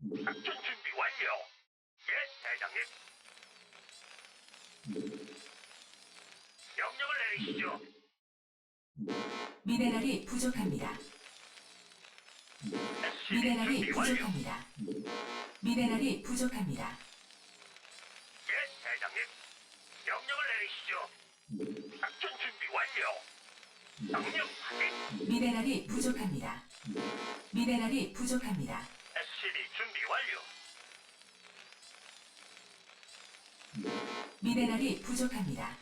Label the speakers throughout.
Speaker 1: 작전 준비 완료. 예, 대장님. 명령을 내리시죠.
Speaker 2: 미네랄이 부족합니다.
Speaker 1: SCB
Speaker 2: 미네랄이
Speaker 1: 준비 완료.
Speaker 2: 부족합니다. 미네랄이 부족합니다.
Speaker 1: 예, 대장님. 명령을 내리시죠. 작전 준비 완료. 명령 확인.
Speaker 2: 미네랄이 부족합니다. 미네랄이 부족합니다.
Speaker 1: SCB 준비 완료.
Speaker 2: 미네랄이 부족합니다.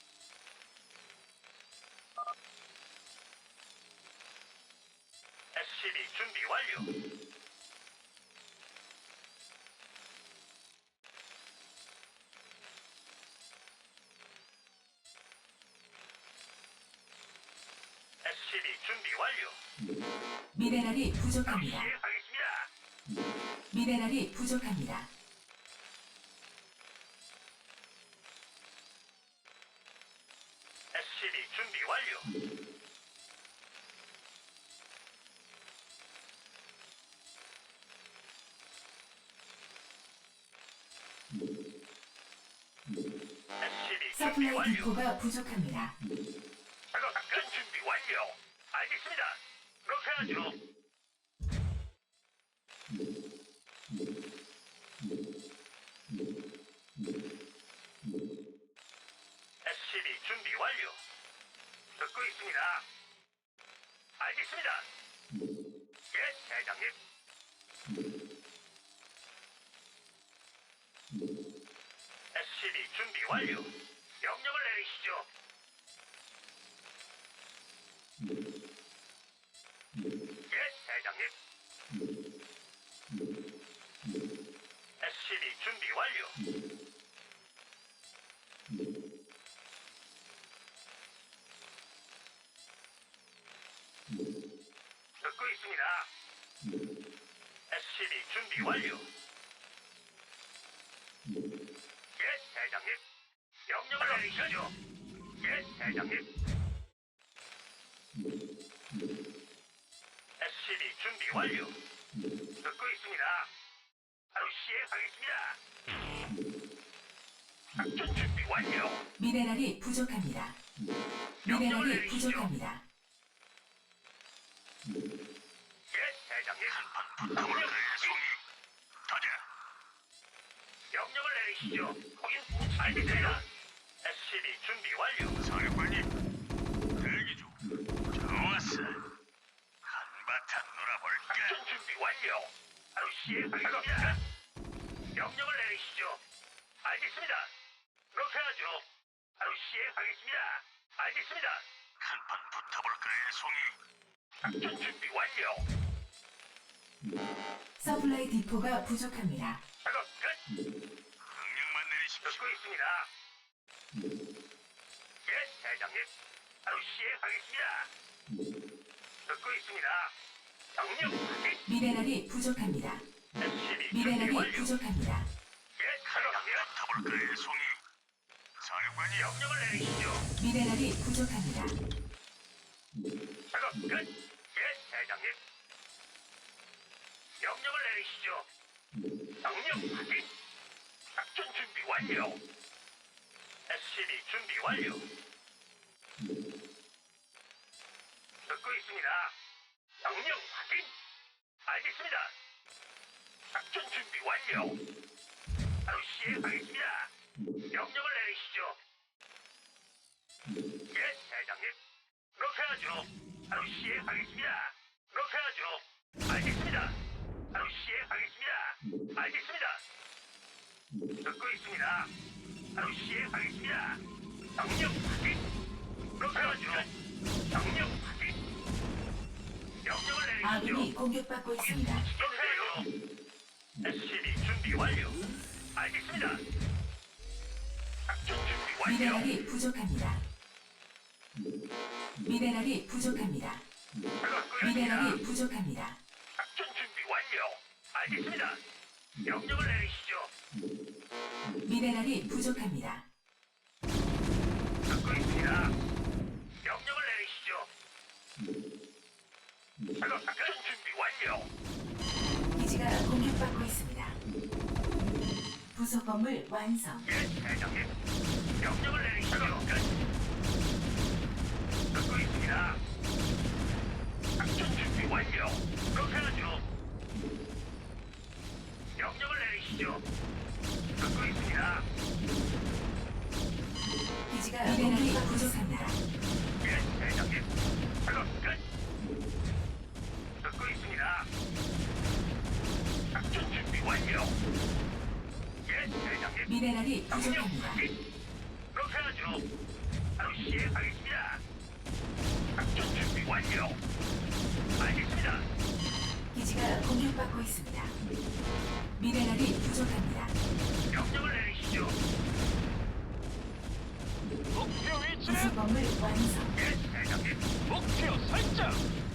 Speaker 1: SCB 준비 완료. SCB 준비 완료.
Speaker 2: 미네랄이
Speaker 1: 바로
Speaker 2: 부족합니다.
Speaker 1: 시행하겠습니다.
Speaker 2: 미네랄이 부족합니다.
Speaker 1: SCB 준비 완료. SCB 준비
Speaker 2: 서플라이
Speaker 1: 완료.
Speaker 2: 디포가 부족합니다.
Speaker 1: 작전 준비 완료. 알겠습니다. 그렇게 하죠. SCB 준비 완료. 듣고 있습니다. 알겠습니다. 예, 대장님. SCB 준비 완료. 명령을 내리시죠. 예, 대장님. SCB 준비 완료. 듣고 있습니다. SCB 준비 완료. 예, 대장님. 명령을 내리시죠. 예, 대장님. SCB 준비 완료. 듣고 있습니다. 바로 시행하겠습니다. 작전 준비 완료.
Speaker 2: 미네랄이 부족합니다. 미네랄이 부족합니다.
Speaker 1: 예, 대장님. 명령 송이. 가자. 명령을 내리시죠. 거긴 못 알겠습니다. SCB 준비 완료.
Speaker 3: 사령관님, 대기 중. 좋았어. 한바탕 놀아볼까?
Speaker 1: 작전 준비 완료. 바로 시행하겠습니다. 명령을 내리시죠. 알겠습니다. 그렇게 하죠. 바로 시행하겠습니다. 알겠습니다.
Speaker 3: 한판 붙어볼까요, 송이?
Speaker 1: 작전 준비 완료.
Speaker 2: 서플라이 디포가 부족합니다.
Speaker 1: 작업 끝.
Speaker 3: 명령만 내리십시오.
Speaker 1: 듣고 있습니다. 예, 대장님. 바로 시행하겠습니다. 듣고 있습니다. 명령 확인.
Speaker 2: 미네랄이 부족합니다.
Speaker 1: SCB 준비
Speaker 2: 미네랄이
Speaker 1: 완료.
Speaker 2: 부족합니다.
Speaker 1: 예, 대장님.
Speaker 3: 붙어볼까요, 송이? 사령관님,
Speaker 1: 명령을 내리시죠.
Speaker 2: 미네랄이 부족합니다.
Speaker 1: 작업 끝. 예, 대장님. 명령을 내리시죠. 명령 확인. 작전 준비 완료. SCB 준비 완료. 듣고 있습니다. 명령 확인. 알겠습니다. 작전 준비 완료. 바로 시행하겠습니다. 명령을 내리시죠. 예, 대장님. 그렇게 하죠. 바로 시행하겠습니다. 그렇게 하죠. 알겠습니다. 바로 시행하겠습니다. 알겠습니다. 듣고 있습니다. 바로 시행하겠습니다. 명령 확인. 그렇게 하죠. 명령 확인. 명령을 내리시죠.
Speaker 2: 아군이 공격받고 있습니다.
Speaker 1: 그렇게 하죠. SCB 준비 완료. 알겠습니다. 작전 준비 완료.
Speaker 2: 미네랄이 부족합니다. 미네랄이 부족합니다.
Speaker 1: 작업 끝입니다.
Speaker 2: 미네랄이 부족합니다.
Speaker 1: 작전 준비 완료. 알겠습니다. 명령을 내리시죠.
Speaker 2: 미네랄이 부족합니다.
Speaker 1: 듣고 있습니다. 명령을 내리시죠. 작업 작전 준비 완료.
Speaker 2: 기지가 공격받고 있습니다. 부속 건물 완성.
Speaker 1: 예, 대장님. 명령을 내리시죠. 듣고 있습니다. 작전 준비 완료. 그렇게 하죠. 명령을 내리시죠. 듣고 있습니다.
Speaker 2: 기지가 미네랄이 부족합니다.
Speaker 1: 예, 대장님. 작업 끝. 듣고 있습니다. 작전 준비 완료. 예, 대장님.
Speaker 2: 미네랄이 부족합니다.
Speaker 1: 그렇게 하죠. 바로 시행하겠습니다. 작전 준비 완료. 알겠습니다.
Speaker 2: 기지가 공격받고 있습니다. 미네랄이 부족합니다.
Speaker 1: 명령을 내리시죠.
Speaker 4: 목표
Speaker 2: 부속
Speaker 4: 위치는
Speaker 2: 건물 완성.
Speaker 1: 예, 대장님.
Speaker 4: 목표 설정.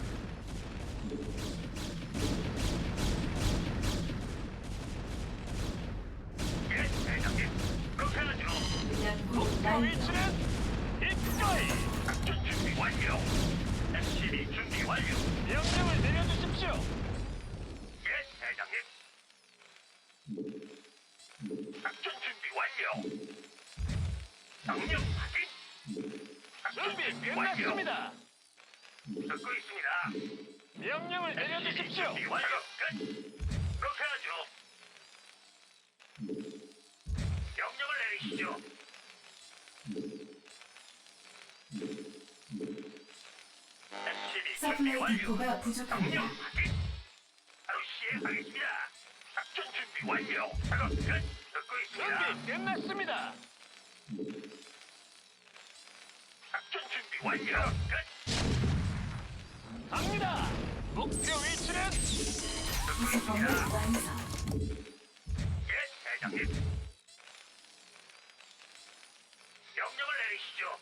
Speaker 1: 예, 대장님. 그렇게 하죠.
Speaker 2: 연구
Speaker 4: 목표
Speaker 2: 완료.
Speaker 4: 위치는 이거이.
Speaker 1: 작전 준비 완료. SCB 준비 완료.
Speaker 4: 명령을 내려주십시오.
Speaker 1: 예, 대장님. 작전 준비 완료. 명령 확인. 작전
Speaker 4: 준비
Speaker 1: 완료.
Speaker 4: 끝났습니다.
Speaker 1: 듣고 있습니다.
Speaker 4: 명령을 내려주십시오.
Speaker 1: 준비 완료. 끝. 그렇게 하죠. 명령을 내리시죠. SCB 준비
Speaker 2: 서플라이
Speaker 1: 완료.
Speaker 2: 디포가
Speaker 1: 명령
Speaker 2: 부족합니다.
Speaker 1: 확인. 바로 시행하겠습니다. 작전 준비 완료. 작업 끝. 듣고 있습니다.
Speaker 4: 준비 끝났습니다.
Speaker 1: 작전 준비 완료. 끝.
Speaker 4: 갑니다. 목표 위치는
Speaker 1: 듣고
Speaker 2: 부속 건물
Speaker 1: 있습니다.
Speaker 2: 완성.
Speaker 1: 예, 대장님. 명령을 내리시죠.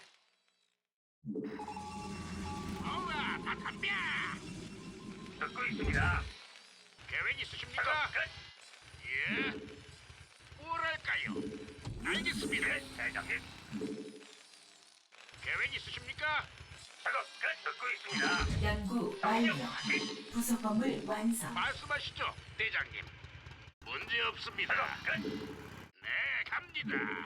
Speaker 1: 어라, 다 담배. 듣고 있습니다. 계획 있으십니까? 끝. 예. 뭐랄까요? 알겠습니다. 예, 대장님. 계획 있으십니까? 작업 끝. 듣고 있습니다.
Speaker 2: 연구
Speaker 1: 명령
Speaker 2: 완료.
Speaker 1: 확인.
Speaker 2: 부속 건물 완성.
Speaker 1: 말씀하시죠, 대장님. 문제 없습니다. 작업 끝. 네, 갑니다.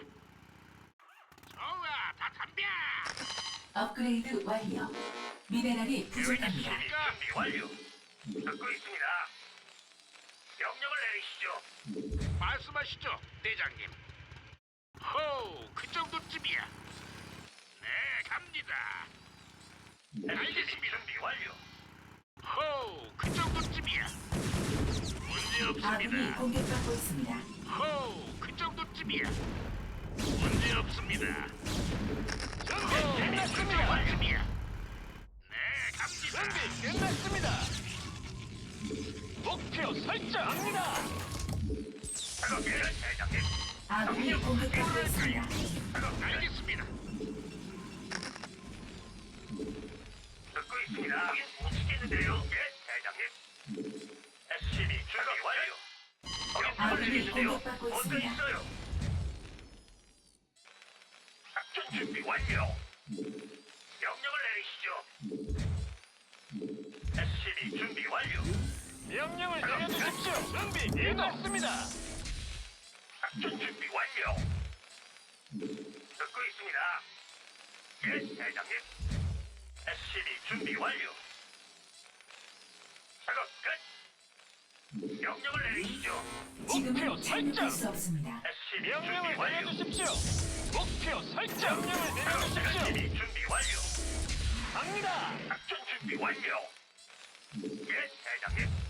Speaker 1: 좋아, 다 담배.
Speaker 2: 업그레이드 완료. 미네랄이 부족합니다.
Speaker 1: 준비 완료. 듣고 있습니다. 명령을 내리시죠. 말씀하시죠, 대장님. 호, 그 정도쯤이야. 네, 갑니다. 알겠습니다. 준비 완료. 호, 그 정도쯤이야. 문제
Speaker 2: 아군이
Speaker 1: 없습니다.
Speaker 2: 공격받고 있습니다.
Speaker 1: 호, 그 정도쯤이야. 문제 없습니다.
Speaker 4: 준비
Speaker 1: 준비
Speaker 4: 끝났습니다.
Speaker 1: 완료입니다. 네, 갑니다.
Speaker 4: 준비 끝났습니다. 목표 설정합니다.
Speaker 1: 작업 끝, 대장님.
Speaker 2: 아군이 공격받고 있습니다.
Speaker 1: 작업 알겠습니다. 듣고 있습니다. 못 치겠는데요. 예, 대장님. SCB 준비 완료.
Speaker 2: 아군이 공격받고
Speaker 1: 뭔가
Speaker 2: 있습니다.
Speaker 1: 있어요. 작전 준비 완료. 명령을 내리시죠. SCB 준비 완료.
Speaker 4: 명령을 내려주십시오. 준비 끝났습니다.
Speaker 1: 작전 준비 완료. 듣고 있습니다. 예, 대장님. SCB 준비 완료. 작업 끝. 명령을 내리시죠.
Speaker 4: 목표
Speaker 2: 지금은 착륙할
Speaker 4: 설정.
Speaker 2: 수 없습니다.
Speaker 1: SCB 준비
Speaker 4: 명령을
Speaker 1: 완료.
Speaker 4: 내려주십시오. 목표 설정. 명령을 내려주십시오.
Speaker 1: SCB 준비 완료.
Speaker 4: 갑니다.
Speaker 1: 작전 준비 완료. 예, 대장님.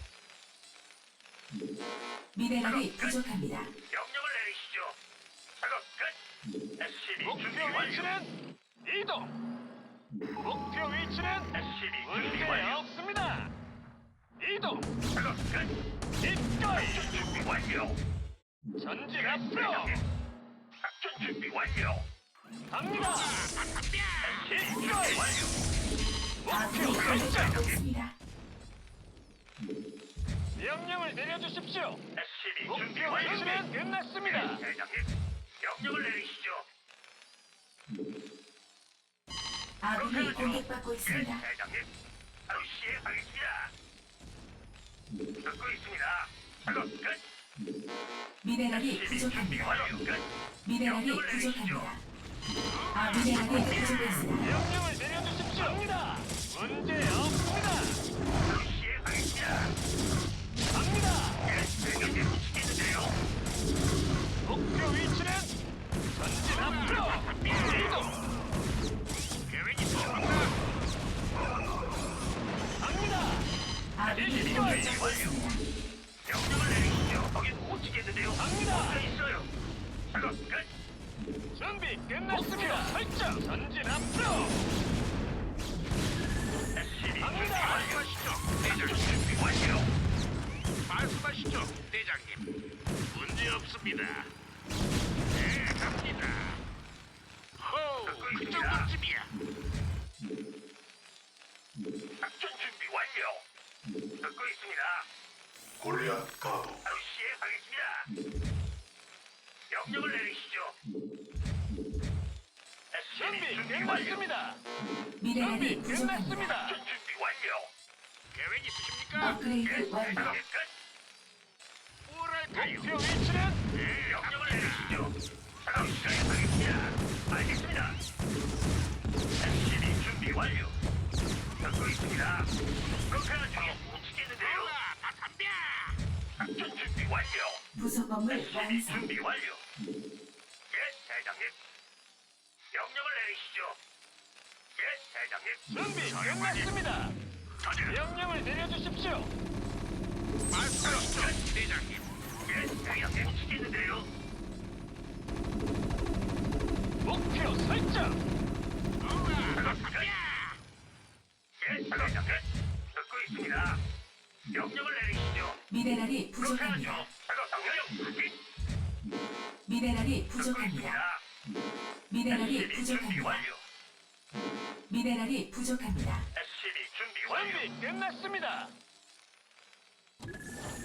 Speaker 2: 미네랄이 부족합니다.
Speaker 1: 명령을 내리시죠. 작업 끝. SCB
Speaker 4: 목표
Speaker 1: 준비 완료.
Speaker 4: 위치는 이동. 목표 위치는
Speaker 1: SCB 준비
Speaker 4: 문제
Speaker 1: 완료.
Speaker 4: 없습니다. 이동.
Speaker 1: 작업 끝.
Speaker 4: 이거이.
Speaker 1: 작전 준비 완료.
Speaker 4: 전진 앞으로.
Speaker 1: 작전 준비 완료.
Speaker 4: 갑니다.
Speaker 1: SCB 준비 완료.
Speaker 2: 아군이
Speaker 4: 목표 설정.
Speaker 2: 공격받고 있습니다.
Speaker 4: 명령을 내려주십시오.
Speaker 1: SCB 준비
Speaker 4: 목표
Speaker 1: 완료.
Speaker 4: 위치는 끝났습니다.
Speaker 1: 대장님. 명령을 내리시죠.
Speaker 2: 아군이 공격받고
Speaker 1: 예,
Speaker 2: 있습니다.
Speaker 1: 대장님. 바로 시행하겠습니다. 듣고 있습니다. 작업 끝.
Speaker 2: 미네랄이
Speaker 1: 준비
Speaker 2: 부족합니다.
Speaker 1: 완료. 끝.
Speaker 2: 미네랄이 부족합니다. 미네랄이 부족했습니다.
Speaker 4: 명령을 내려주십시오. 갑니다. 문제 없습니다.
Speaker 1: 바로 시행하겠습니다.
Speaker 4: 갑니다.
Speaker 1: 예, 대장님 시키는데요.
Speaker 4: 목표 위치는 전진 앞으로. 이동.
Speaker 3: 계획 있으십니까?
Speaker 4: 갑니다.
Speaker 2: 아군이 공격받고 있습니다.
Speaker 1: 명령을 내리시죠. 거긴 못 치겠는데요.
Speaker 4: 갑니다.
Speaker 1: 붙어 있어요. 작업 끝.
Speaker 4: 준비 끝났습니다. 설정. 전진 앞으로.
Speaker 1: SCB
Speaker 4: 갑니다.
Speaker 1: 완료하시죠. 대장 준비 완료.
Speaker 3: 말씀하시죠, 대장님. 문제 없습니다. 네, 갑니다. 호, 그 정도쯤이야.
Speaker 1: 작전 준비 완료. 듣고 있습니다.
Speaker 5: 골리앗 가도
Speaker 1: 바로 시행하겠습니다. 명령을 내리시죠. SCB
Speaker 4: 준비
Speaker 1: 준비 완료.
Speaker 4: 끝났습니다.
Speaker 2: 미네랄이
Speaker 4: 준비
Speaker 2: 부족합니다.
Speaker 4: 끝났습니다.
Speaker 1: 작전 준비 완료.
Speaker 3: 계획 있으십니까?
Speaker 2: 업그레이드 완료.
Speaker 1: 작업 끝.
Speaker 3: 뭐랄까요?
Speaker 4: 목표 위치는
Speaker 1: 네, 명령을 내리시죠. 작업 시작하겠습니다. 알겠습니다. SCB 준비 완료. 듣고 있습니다. 그렇게 하죠. 못 치겠는데요.
Speaker 3: 다 담배!
Speaker 1: 작전 준비 완료.
Speaker 2: 부속 건물
Speaker 1: SCB
Speaker 2: 완성.
Speaker 1: 준비 완료. 예, 대장님. 명령을 내리시죠. 예, 대장님.
Speaker 4: 준비 끝났습니다. 명령을 내려주십시오.
Speaker 3: 말씀하시죠, 대장님.
Speaker 1: 예, 대장님. 못 치겠는데요.
Speaker 4: 목표 설정.
Speaker 1: 작업 끝. 예, 대장님. 듣고 있습니다. 명령을 내리시죠.
Speaker 2: 미네랄이
Speaker 1: 그렇게 하죠.
Speaker 2: 부족합니다.
Speaker 1: 작업 명령 확인.
Speaker 2: 미네랄이
Speaker 1: 듣고
Speaker 2: 부족합니다.
Speaker 1: 있습니다.
Speaker 2: 미네랄이
Speaker 1: SCB 준비
Speaker 2: 부족합니다.
Speaker 1: 완료.
Speaker 2: 미네랄이 부족합니다.
Speaker 1: SCB 준비 완료.
Speaker 4: 준비 끝났습니다.